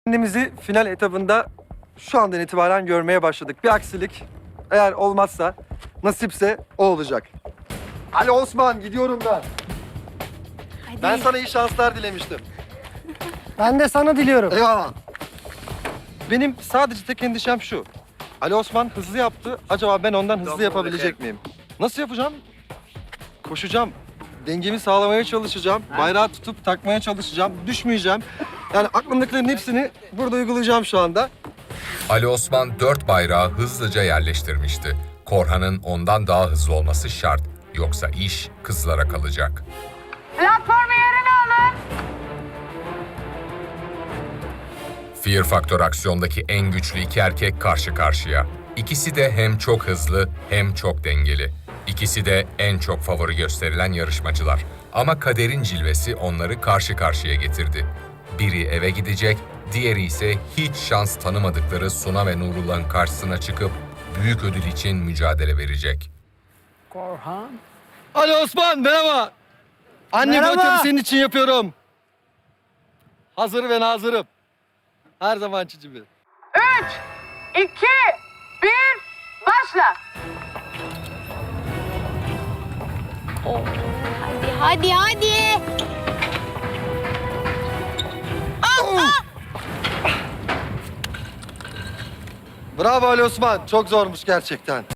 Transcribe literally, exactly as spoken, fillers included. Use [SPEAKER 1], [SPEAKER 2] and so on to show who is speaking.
[SPEAKER 1] Kendimizi final etabında şu andan itibaren görmeye başladık. Bir aksilik eğer olmazsa, nasipse o olacak. Ali Osman, gidiyorum ben.
[SPEAKER 2] Hadi.
[SPEAKER 1] Ben sana iyi şanslar dilemiştim.
[SPEAKER 3] Ben de sana diliyorum.
[SPEAKER 1] Eyvallah. Benim sadece tek endişem şu. Ali Osman hızlı yaptı. Acaba ben ondan hızlı yapabilecek miyim? Nasıl yapacağım? Koşacağım. Dengemi sağlamaya çalışacağım. Bayrağı tutup takmaya çalışacağım. Düşmeyeceğim. Yani aklımdakilerin hepsini burada uygulayacağım şu anda.
[SPEAKER 4] Ali Osman dört bayrağı hızlıca yerleştirmişti. Korhan'ın ondan daha hızlı olması şart. Yoksa iş kızlara kalacak.
[SPEAKER 2] Platformu yerine alın.
[SPEAKER 4] Fear Factor aksiyondaki en güçlü iki erkek karşı karşıya. İkisi de hem çok hızlı hem çok dengeli. İkisi de en çok favori gösterilen yarışmacılar. Ama kaderin cilvesi onları karşı karşıya getirdi. Biri eve gidecek, diğeri ise hiç şans tanımadıkları Suna ve Nurullah'ın karşısına çıkıp büyük ödül için mücadele verecek.
[SPEAKER 3] Korhan.
[SPEAKER 1] Ali Osman, merhaba. Anne, bu
[SPEAKER 3] Merhaba.
[SPEAKER 1] ötevi senin için yapıyorum. Hazır ve nazırım. Her zamanki gibi.
[SPEAKER 2] Üç, iki, bir, başla. Oh, hadi, hadi, hadi.
[SPEAKER 1] Bravo Ali Osman. Çok zormuş gerçekten.